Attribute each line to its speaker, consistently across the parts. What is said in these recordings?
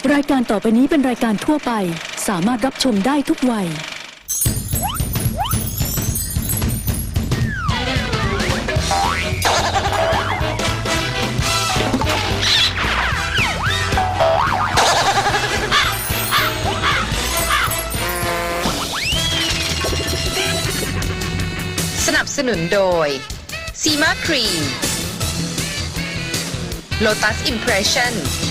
Speaker 1: รายการต่อไปนี้เป็นรายการทั่วไปสามารถรับชมได้ทุกวัย
Speaker 2: สนับสนุนโดยซีมาครีม Lotus Impression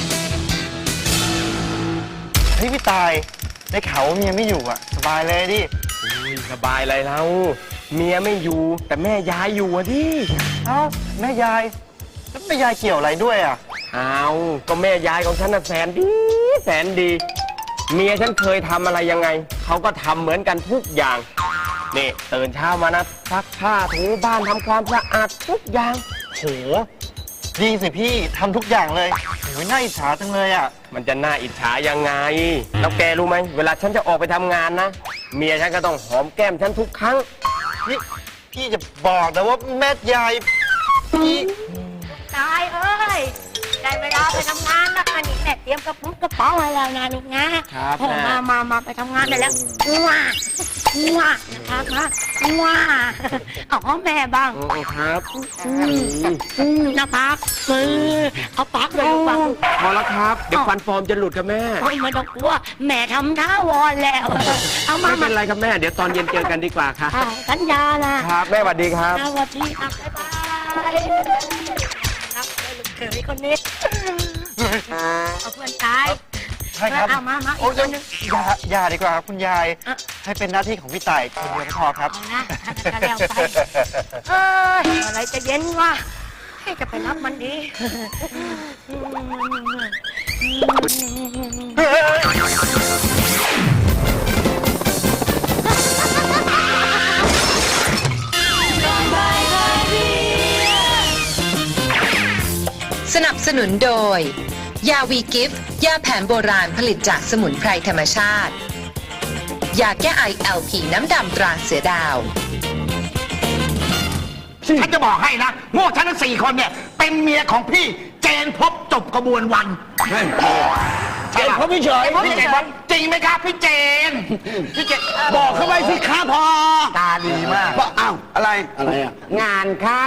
Speaker 3: เฮ้ยพี่ตายได้ข่าวว่าเมียไม่อยู่อ่ะสบายเลยดิ
Speaker 4: สบายอะไรแล้วเมียไม่อยู่แต่แม่ยายอยู่อะดิ
Speaker 3: เอ้าแม่ยายแล้วแม่ยายเกี่ยวอะไรด้วยอ่ะ
Speaker 4: เอาก็แม่ยายของฉันน่ะแสนดีแสนดี เมียฉันเคยทำอะไรยังไงเขาก็ทำเหมือนกันทุกอย่างนี่ตื่นเช้ามานะซักผ้าถูบ้านทำความสะอาดทุกอย่าง
Speaker 3: โหดีสิพี่ทำทุกอย่างเลยโอ้ยน่าอิจฉาจังเลยอ่ะ
Speaker 4: มันจะน่าอิจฉายังไงแล้วแกรู้ไหมเวลาฉันจะออกไปทำงานนะเมียฉันก็ต้องหอมแก้มฉันทุกครั้ง
Speaker 3: นี่พี่จะบอกนะว่าแม่ยายพี่
Speaker 5: ตายเอ้ยได้เวลาไปทำงานแล้วค่ะนี่แม่เตรียมกระเป๋าไว้แล้วนะลูกนะครับ มาไปทำงานได้แล้วว้านะคะว้าเอาแม่บ้าง
Speaker 4: ครับ
Speaker 5: นะพักเอาปักเลยลูกปัก
Speaker 4: พอแล้วครับเดี๋ยวฟันปลอมจะหลุดกับแม่
Speaker 5: โอ้ยไม่ต้องกลัวแม่ทำท่าวอนแล้วเอามา
Speaker 4: ไม่เป็นไรครับแม่เดี๋ยวตอนเย็นเจอกันดีกว่าค่ะ
Speaker 5: สัญญานะครับ
Speaker 4: แม่สวัสดีครับ
Speaker 5: สวัสดีครับบ๊ายบายครับลูกเขยคนนี้เอาเพื่อนตาย
Speaker 3: ใช่ครับ
Speaker 5: เอามา
Speaker 3: โอ้
Speaker 5: อีกคนนึง
Speaker 3: อย่าดีกว่าครับคุณยาย
Speaker 5: อ่ะ
Speaker 3: ให้เป็นหน้าที่ของพี่ต่ายคนเดียวก็พอครับ
Speaker 5: เอานะก็แล้วไปอะไรจะเย็นวะให้จะไปรับมันดี
Speaker 2: สนับสนุนโดย ยาวีกิฟต์ยาแผนโบราณผลิตจากสมุนไพรธรรมชาติ ยาแก้ไอ LP น้ำดำตราเสือดาว
Speaker 6: ฉันจะบอกให้นะพวกฉันทั้ง4 คนเนี่ย เป็นเมียของพี่เจนพบจบกระบวนวันเจนพบพี่เฉยพี่เจนพบจริงไหมครับพี่เจนพี่เจนบอกเขาไว้สิครับพอตาดีมากอ้าวอะไรอ่ะงานเข้า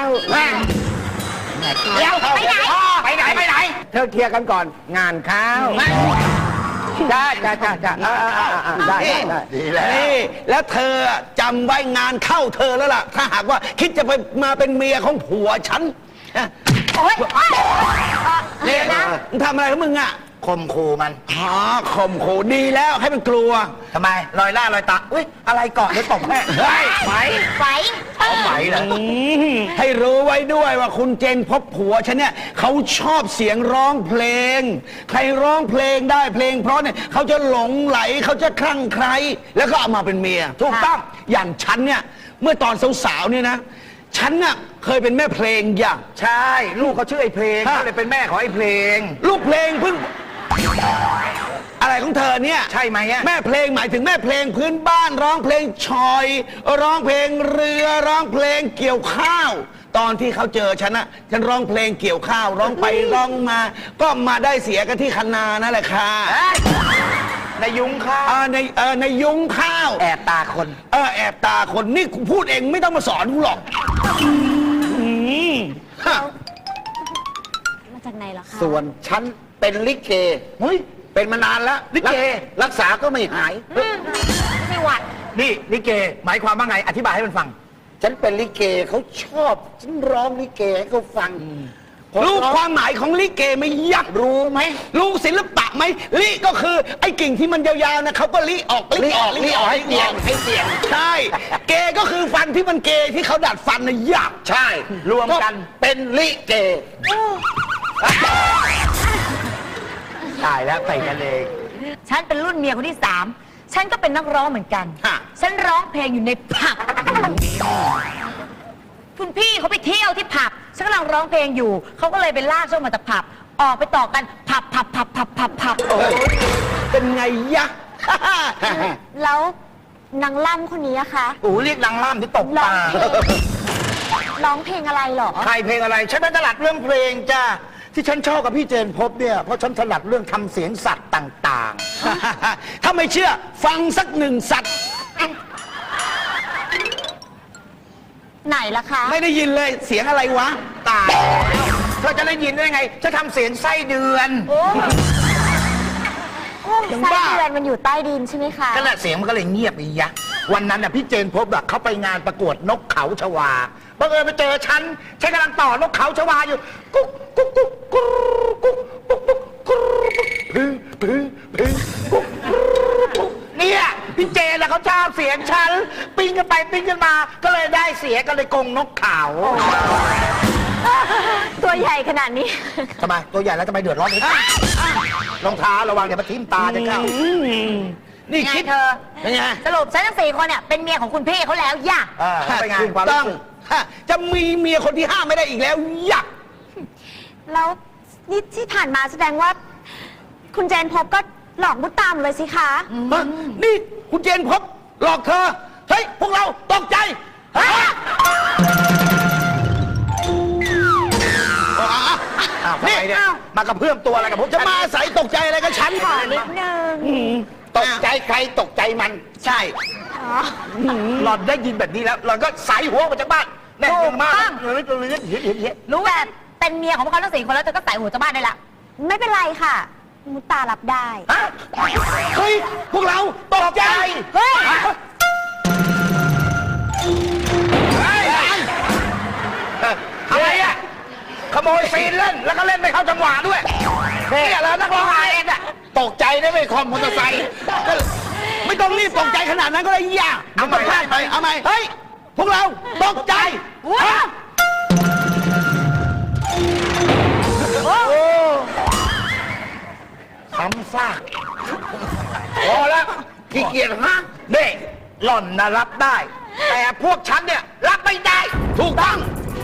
Speaker 6: เดี๋ยวไปไหนไปไหนเธอเคลียร์กันก่อนงานเข้าจ้าได้ดีแล้วนี่แล้วเธอจำไว้งานเข้าเธอแล้วล่ะถ้าหากว่าคิดจะไปมาเป็นเมียของผัวฉันโอ๊ยเนี่ยนะมึงทำอะไรของมึงอ่ะข่มขู่มันอ๋อข่มขู่ดีแล้วให้มันกลัวทำไมลอยล่าลอยตาอุ้ยอะไรเกาะหรือตกแม่เฮ้ยไหวเหรอให้รู้ไว้ด้วยว่าคุณเจนพบผัวฉันเนี่ยเขาชอบเสียงร้องเพลงใครร้องเพลงได้เพลงเพราะเนี่ยเขาจะหลงไหลเขาจะคลั่งไคล้แล้วก็เอามาเป็นเมียถูกต้องอย่างฉันเนี่ยเมื่อตอนสาวๆเนี่ยนะฉันน่ะเคยเป็นแม่เพลงอย่างใช่ลูกเขาชื่อไอ้เพลงก็เลยเป็นแม่ของไอ้เพลงลูกเพลงเพิ่งอะไรของเธอเนี่ยใช่ไหมแม่เพลงหมายถึงแม่เพลงพื้นบ้านร้องเพลงชอยร้องเพลงเรือร้องเพลงเกี่ยวข้าวตอนที่เขาเจอฉันนะฉันร้องเพลงเกี่ยวข้าวร้องไปร้องมาก็มาได้เสียกันที่คันนานั่นแหละค่ะในยุ้งข้าวในยุ้งข้าวแอบตาคนแอบตาคนนี่กูพูดเองไม่ต้องมาสอนกูหรอก
Speaker 5: มาจากไหนเหรอคะ
Speaker 6: ส่วนฉันเป็นลิเกเฮ้ยเป็นมานานแล้วลิเกรักษาก็ไม่หาย
Speaker 5: ไม่หวัด
Speaker 6: นี่ลิเกหมายความว่าไงอธิบายให้มันฟัง ฉันเป็นลิเกเขาชอบฉันร้องลิเกให้เขาฟังรู้ความหมายของลิเกไหมยักษ์รู้ไหมรู้ศิลปะไหมลิก็คือไอ้กิ่งที่มันยาวๆนะเขาก็ลิออกให้เสียงใช่เกก็คือฟันที่มันเกที่เขาดัดฟันนะยักษ์ใช่รวมกันเป็นลิเกตายแล้วไปกันเอง
Speaker 5: ฉันเป็นรุ่นเมียคนที่ 3ฉันก็เป็นนักร้องเหมือนกัน
Speaker 6: ฮะ
Speaker 5: ฉันร้องเพลงอยู่ในผับคุณพี่เขาไปเที่ยวที่ผับฉันกำลังร้องเพลงอยู่เขาก็เลยไปลากฉันมาจากผับออกไปต่อกันผับ
Speaker 6: เป็นไงยักษ์
Speaker 5: แล้วนางล่ำคนนี้อะคะ
Speaker 6: โอ้เรียกนางล่ำที่ตกปลา
Speaker 5: ร้องเพลงอะไรหรอ
Speaker 6: ใครเพลงอะไรฉันเป็นตลาดเรื่องเพลงจ้าที่ฉันชอบกับพี่เจนพบเนี่ยเพราะฉันถนัดเรื่องทำเสียงสัตว์ต่างๆ ถ้าไม่เชื่อฟังสักหนึ่งสัตว์
Speaker 5: ไหนล่ะคะ
Speaker 6: ไม่ได้ยินเลยเสียงอะไรวะตายเธอจะได้ยินได้ไงฉันทำเสียงไส้เดือน
Speaker 5: ไส้เดือนมันอยู่ใต้ดินใช่ไหมคะ
Speaker 6: ก็แหละเสียงมันก็เลยเงียบอีกยะวันนั้นน่ะพี่เจนพบอะเขาไปงานประกวดนกเขาชวาบังเอิญไปเจอฉันกำลังต่อนกเขาชวาอยู่กุ๊กกุ๊กกุ๊กกุ๊กกุ๊กกุ๊กกุ๊กกุ๊กพึ่งพึ่งพึ่งกุ๊กกุ๊กเนี่ยพี่เจนน่ะเขาชอบเสียงฉันปิ้งกันไปปิ้งกันมาก็เลยได้เสียงก็เลยกงนกเขา
Speaker 5: ตัวใหญ่ขนาดนี้
Speaker 6: ทำไมตัวใหญ่แล้วทำไมเดือดร้อนอีกรองเท้าระวังเดี๋ยวมาทิ่มตาจะเข้านี่คิด
Speaker 5: เธอ
Speaker 6: เป็นไง
Speaker 5: สรุปฉันทั้ง4 คนเนี่ยเป็นเมียของคุณพี่เขาแล้วย่ะ
Speaker 6: เป็นไงความรู้สึกจะมีเมียคนที่ห้าไม่ได้อีกแล้วยัก
Speaker 5: แล้วนี่ที่ผ่านมาแสดงว่า คุณเจนพบก็หลอกมุดตามเลยสิคะ
Speaker 6: นี่คุณเจนพบหลอกเธอเฮ้ยพวกเราตกใจเฮ้ยนี่มากระเพื่อมตัวอะไรกับผมจะมาใส่ตกใจอะไรกับฉัน
Speaker 5: ขอนิดนึง
Speaker 6: ตกใจใครตกใจมันใช่หล่อนได้ยินแบบนี้แล้วหล่อนก็ใส่หัวออกมาจากบ้านแน่มากเห็น
Speaker 5: รู้แบบเป็นเมียของพวกเขาทั้ง4 คนแล้วเธอก็ใส่หัวจากบ้านได้ละไม่เป็นไรค่ะ มุตตารับได้
Speaker 6: เฮ้ยพวกเราตกใจเฮ้ยอะไรอ่ะขโมยซีนเล่นแล้วก็เล่นไม่เข้าจังหวะด้วยเนี่ยแล้วนักร้องไอเอ็นอ่ะตกใจได้ไม่คอมมอเตอร์ไซค์ไม่ต้องรีบตกใจขนาดนั้นก็ได้ย่าเอาไปเอาไหมเฮ้ยพวกเราตกใจซ้ำซากพอแล้วขี้เกียจฮะเน่หล่อนนะรับได้ แต่พวกฉันเนี่ยรับไม่ได้ถูกต้อง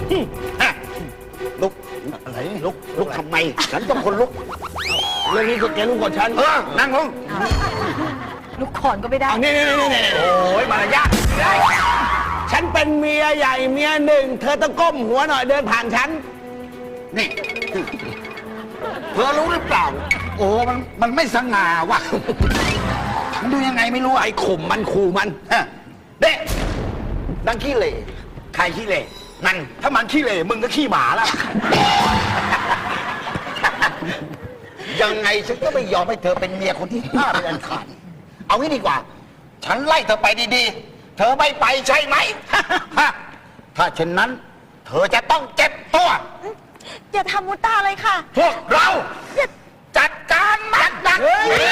Speaker 6: ลุกอะไรลุกทำไมฉันต้องคนลุกเรื่องนี้ก็แกลุกก่อนฉันนั่งลง
Speaker 5: ลูกขอนก็ไม่ได้
Speaker 6: นี่โอ้ยมารยาทฉันเป็นเมียใหญ่เมียหนึ่งเธอต้องก้มหัวหน่อยเดินผ่านฉันนี่เธอรู้หรือเปล่าโอ้มันไม่สง่าว่ะมันดูยังไงไม่รู้ไอ้ข่มมันขู่มันเด็กดังขี้เหร่ใครขี้เหร่นั่นถ้ามันขี้เหร่มึงก็ขี้หมาแล้วยังไงฉันก็ไม่ยอมให้เธอเป็นเมียคนที่5เป็นอันขาดเอางี้ดีกว่าฉันไล่เธอไปดีๆเธอไม่ไปใช่ไหม ถ้าเช่นนั้นเธอจะต้องเจ็บตัว
Speaker 5: อย่าทำมุตตาเลยค่ะ
Speaker 6: พวกเราจัดการมันหนัก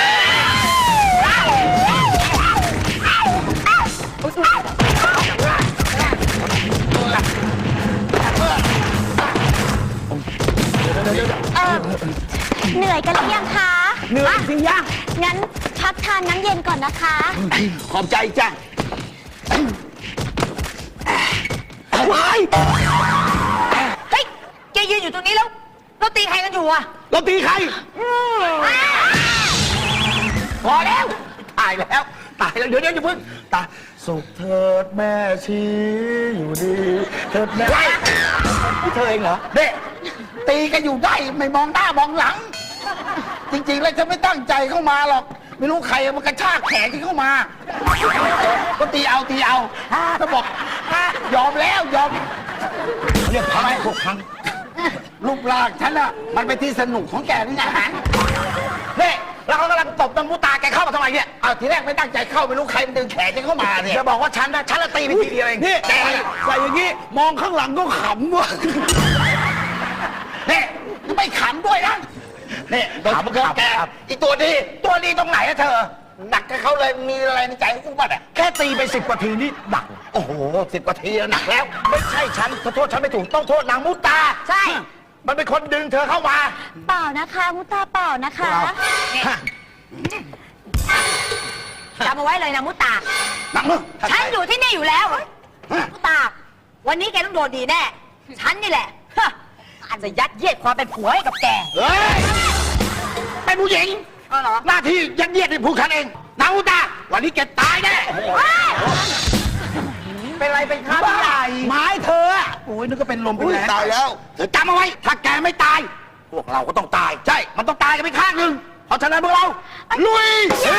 Speaker 5: เหนื่อยกันหรือยังคะ
Speaker 6: เหนื่อยสิย่า
Speaker 5: งั้นพักทานน้ำเย็นก่อนนะคะ
Speaker 6: ขอบใจจ้ะวาย
Speaker 5: เฮ้ย แกยืนอยู่ตรงนี้แล้วเราตีใครกันอยู่อะ
Speaker 6: เราตีใครพอแล้วตายแล้วเดี๋ยวอย่าเพิ่งตายสุขเถิดแม่ชีอยู่ดีเถิดแม่นี่เธอเองเหรอเด็กตีกันอยู่ได้ไม่มองหน้ามองหลัง จริงๆแล้วฉันไม่ตั้งใจเข้ามาหรอกไม่รู้ใครมันกระชากแขนฉันเข้ามาก็ตีเอาถ้าบอกยอมแล้วยอมเรียกพังพวกพังรูปร่างฉันอะมันเป็นที่สนุกของแกนี่ไงนี่แล้วเขากำลังตบน้ำมูตาแกเข้ามาทำไมเนี่ยเอาทีแรกไม่ตั้งใจเข้าไม่รู้ใครมันดึงแขนฉันเข้ามาเนี่ยจะบอกว่าฉันละตีไปทีเดียวเองนี่แต่ใส่อย่างนี้มองข้างหลังก็ขำว่ะนี่ไม่ขำด้วยนะนี่ถามแกอีตัวดีตรงไหนอะเธอหนักกับเขาเลยมีอะไรในใจของกูบ้างแค่ตีไป10 กว่าทีนี่หนักโอ้โห10 กว่าทีหนักแล้วไม่ใช่ฉันขอโทษฉันไม่ถูกต้องโทษนางมุตาใช่มันเป็นคนดึงเธอเข้ามา
Speaker 5: เปล่านะคะมุตตาเปล่านะคะจำเอาไว้เลยนะมุตตา
Speaker 6: หนักมึง
Speaker 5: ฉันอยู่ที่นี่อยู่แล้วมุตตา วันนี้แกต้องโดนดีแน่ ฉันนี่แหละอาจจะยัดเยียดความเป็นผัวให้กับแก
Speaker 6: เฮ้ยเป็นผู้หญิงหน้าที่ยัดเยียดให้ผู้ฉันเองนางมุตาวันนี้แกตายแน่เป็นไรเป็นข้าใหญ่ไม้เธอโอ้ยนึกก็เป็นลมเป็นแรงตายแล้วเธอจำเอาไว้ถ้าแกไม่ตายพวกเราก็ต้องตาย ใช่ มันต้องตายกันไปข้างหนึ่งเพราะฉะนั้นพวกเรา ลุย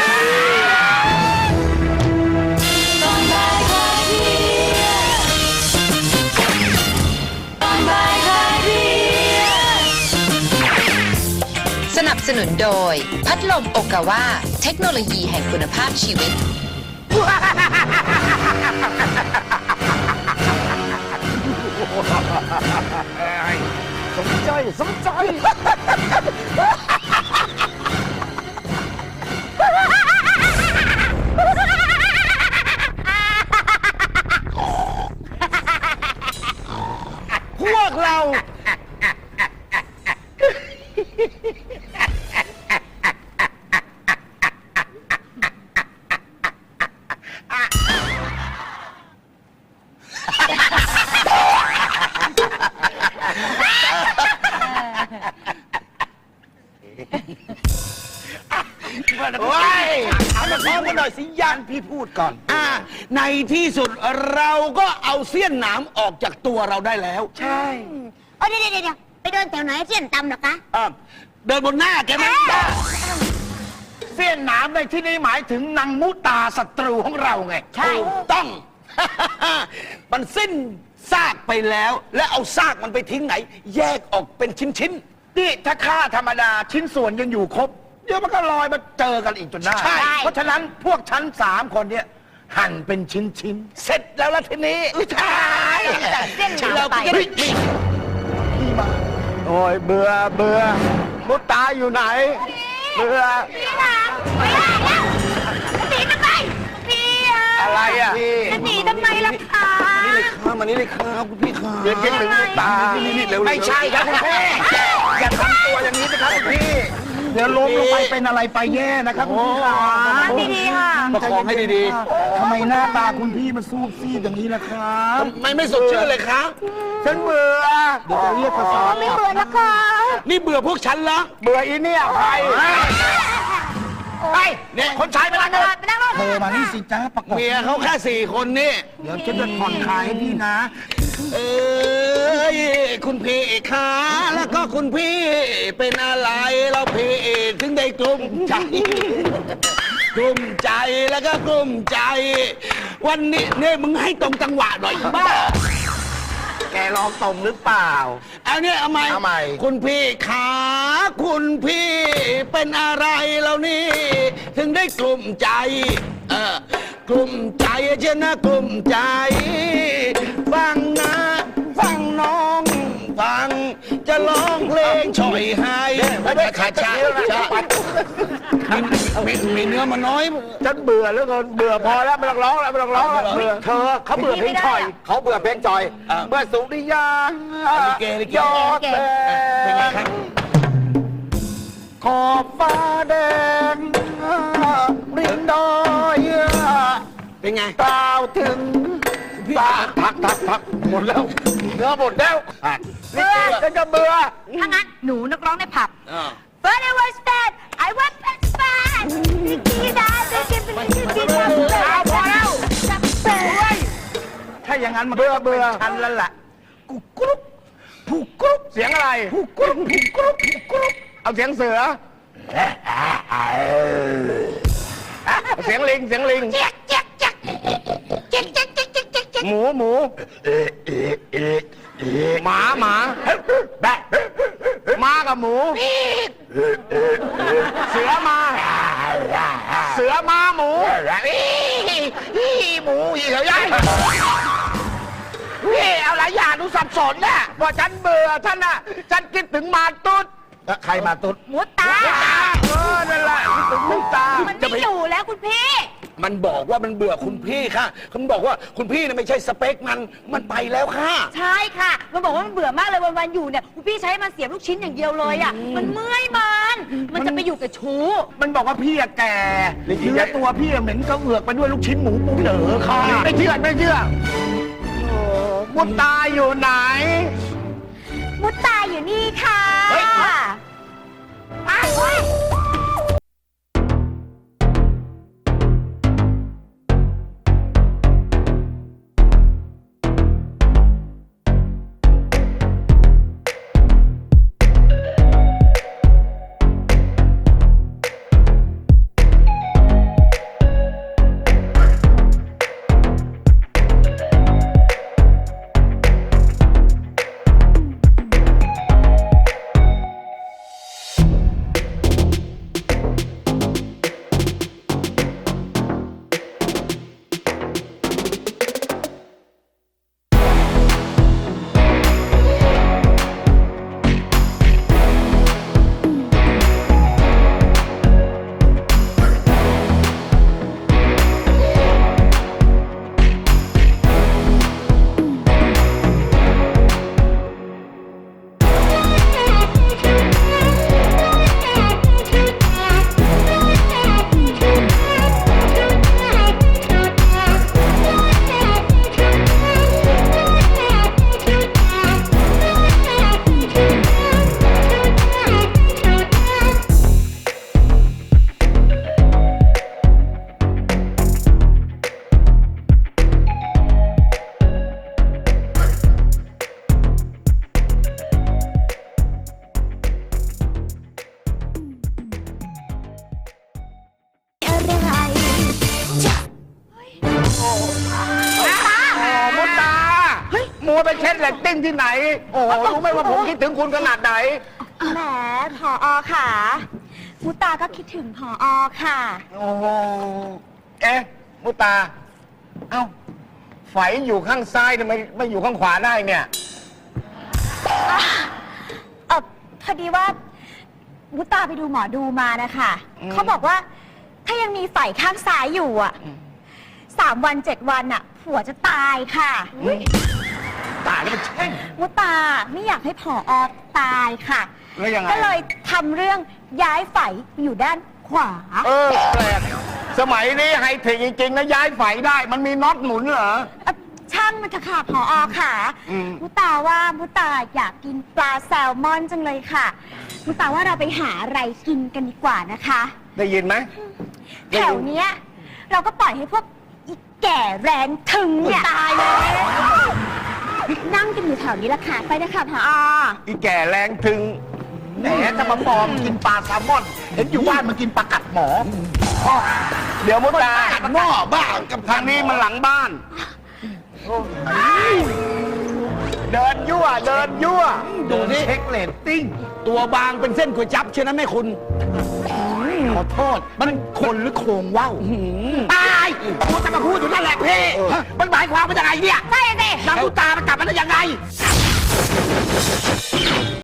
Speaker 2: สนับสนุนโดย พัดลมโอกาวาเทคโนโลยีแห่งคุณภาพชีวิต
Speaker 6: สมใจ สมใจ พวกเรา โอ้ยเอามาพร้อมกันหน่อยสิยันพี่พูดก่อน ในที่สุดเราก็เอาเสี้ยนหนามออกจากตัวเราได้แล้ว ใช่
Speaker 5: เดี๋ยวไปเดินแถวไหนเสี้ยนตำเหรอคะ
Speaker 6: เดินบนหน้าแกไหมเสี้ยนหนามในที่นี้หมายถึงนางมุตาศัตรูของเราไง ใช่ต้อง มันสิ้นซากไปแล้ว แล้วเอาซากมันไปทิ้งไหน แยกออกเป็นชิ้นๆนี่ถ้าฆ่าธรรมดาชิ้นส่วนยังอยู่ครบ เดี๋ยวมันก็ลอยมาเจอกันอีกจนได้ เพราะฉะนั้นพวกฉัน3 คนเนี่ยหั่นเป็นชิ้นๆ เสร็จแล้วละทีนี้ใช่
Speaker 5: แต่เส้นหนาม
Speaker 6: เรา
Speaker 5: ไป
Speaker 6: ก็จะได้พี่มาโอ้ยเบื่อมุตาอยู่ไหน เบื่อ
Speaker 5: พี่หนามไม่ได้แล้วจะหนีทำไมพี่อะ
Speaker 6: อะไรอ่ะ
Speaker 5: จะหนีทำไมล่ะคะ
Speaker 6: มานี่เลยครับคุณพี่ครับเดี๋ยวคิดถึงมุตานี่เร็วไม่ใช่ครับคุณพี่อย่าทำตัวอย่างนี้นะครับคุณพี่เดี๋ยวล้มลงไปเป็นอะไรไปแย่นะครับคุณพี่ครับ
Speaker 5: ดีๆค่ะ
Speaker 6: ประคองให้ดีๆทำไมหน้าตาคุณพี่มันซูบซีดอย่างนี้ล่ะครับไม่สดชื่นเลยครับฉันเบื่อเดี๋ยวจะเรียกภาษา
Speaker 5: ไม่เบื่อนะคะ
Speaker 6: นี่เบื่อพวกฉันเหรอเบื่ออีเนี่ยใครไปเนี่ยคนชายไปนั่งรถ
Speaker 5: ไปนั่งรถ
Speaker 3: เธอมานี่สิจ้าประกบ
Speaker 6: เมียเขาแค่4 คนนี่
Speaker 3: เดี๋ยวฉันจะผ่อนคลายให้พี่นะ
Speaker 6: เอ้ยคุณพี่ขาแล้วก็คุณพี่เป็นอะไรเราพี่ถึงได้กลุ้มใจกลุ้มใจแล้วก็กลุ้มใจ วันนี้เนี่ยมึงให้ตรงจังหวะหน่อยบ้าแกลองตรงหรือเปล่าเอาเนี่ยเอาใหม่คุณพี่ขาคุณพี่เป็นอะไรเรานี่ถึงได้กลุ้มใจกลุ้มใจเช่นนะกลุ้มใจฟังนะฟังน้องฟังจะร้องเพลงช่อยให้ช้าช้ามีเนื้อมาน้อยฉันเบื่อแล้วกันเบื่อพอแล้วไม่ต้องร้องแล้วไม่ต้องร้องแล้วเธอเขาเบื่อเพลงช่อยเขาเบื่อเพลงจอยเมื่อสุริยายอดแดงขอบฟ้าแดงริมดอยเป็นไงกล่าวถึงทักหมดแล้วเนื้อหมดแล้วเบื่อจะเบื่อ
Speaker 5: ถ้างั้นหนูนักร้องในผับ But I was bad I was bad พี่ดาจะกินเป็นพี่ดาพอแล้ว
Speaker 6: ถ้าอย่างนั้นมันเบื่อฉันแล้วล่ะกุกรุ๊ปผูกกรุ๊ปเสียงอะไรผูกกรุ๊ปเอาเสียงเสือเสียงลิงหมูหมาแบะมากับหมูเสือมาหมูหมูอีกแล้วยัยพี่เอาหลายอย่างดูสับสนน่ะว่าฉันเบื่อท่านน่ะฉันคิดถึงมาตุ๊ดใครมาตุ๊ด
Speaker 5: หมูตา
Speaker 6: นั่นแหละคิดถึงมุตา
Speaker 5: มันไม่อยู่แล้วคุณพี่
Speaker 6: มันบอกว่ามันเบื่อคุณพี่ค่ะมันบอกว่าคุณพี่น่ะไม่ใช่สเปคมันไปแล้วค่ะ
Speaker 5: ใช่ค่ะ มันบอกว่ามันเบื่อมากเลยวันๆอยู่เนี่ยคุณพี่ใช้มันเสียบลูกชิ้นอย่างเดียวเลยอ่ะ มันเมื่อยมันจะไปอยู่กับชู้
Speaker 3: มันบอกว่าพี่อะแก่เนื้อตัวพี่อะเหม็นก็เอือกไปด้วยลูกชิ้นหมูปูเด๋อค่ะ
Speaker 6: ไม่เชื่อมุตาอยู่ไหน
Speaker 5: มุตตาอยู่นี่ค่ะ
Speaker 6: เฮ้ย
Speaker 5: อ้าว
Speaker 6: ไปเช็ดเรตติ้งที่ไหน โอ้โหรู้ไหมว่าผมคิดถึงคุณขนาดไหน
Speaker 5: แหมผอค่ะมุตาก็คิดถึงผอค่ะ
Speaker 6: โอ้โหเอ๊ะมุตา เอ้าไฝอยู่ข้างซ้ายทำไมไม่อยู่ข้างขวาได้เนี่ย
Speaker 5: พอดีว่ามุตาไปดูหมอดูมานะคะเขาบอกว่าถ้ายังมีไฝข้างซ้ายอยู่อ่ะ3 วัน 7 วันอ่ะผัวจะตายค่ะ
Speaker 6: ตายแล้วมันแช่ง
Speaker 5: มุตาไม่อยากให้ผอตายค่ะ
Speaker 6: แล้วยังไง
Speaker 5: ก็เลยทำเรื่องย้ายไฝไปอยู่ด้านขวา
Speaker 6: แปลกสมัยนี้ไฮเทคจริงๆนะย้ายไฝได้ มันมีน็อตหมุนเหรอ
Speaker 5: ช่างมันเถอะค่ะผอค่ะ มุตาว่ามุตาอยากกินปลาแซลมอนจังเลยค่ะ มุตาว่าเราไปหาอะไรกินกันดีกว่านะคะ
Speaker 6: ได้ยินไหม
Speaker 5: แถวเนี้ยเราก็ปล่อยให้พวกอีแก่แรงถึงเนี่ยตายเลยนั่งกันอยู่แถวนี้ละค่ะไปนะคะผอ
Speaker 6: อีแก่แรงถึงแหมจะมาปลอมกินปลาแซลมอน เห็นอยู่บ้านมันกินปลากัดหมออ้อเดี๋ยวมุตากัดหม้อบ้ากับทางนี้มันหลังบ้านเดินยั่วเดินยั่ว
Speaker 3: ดูนี่เช็คเรตติ้ง
Speaker 6: ตัวบางเป็นเส้นก๋วยจั๊บเชื่อนะแม่คุณ
Speaker 3: ขอโทษ มันคนหรือโครงว่าว
Speaker 6: ตายกูจะมาพูดอยู่นั่นแหละพี่ มันหมายความว่ายังไงเนี่ย
Speaker 5: ใช่สิ
Speaker 6: นางมุตามันกลับมาได้ยังไง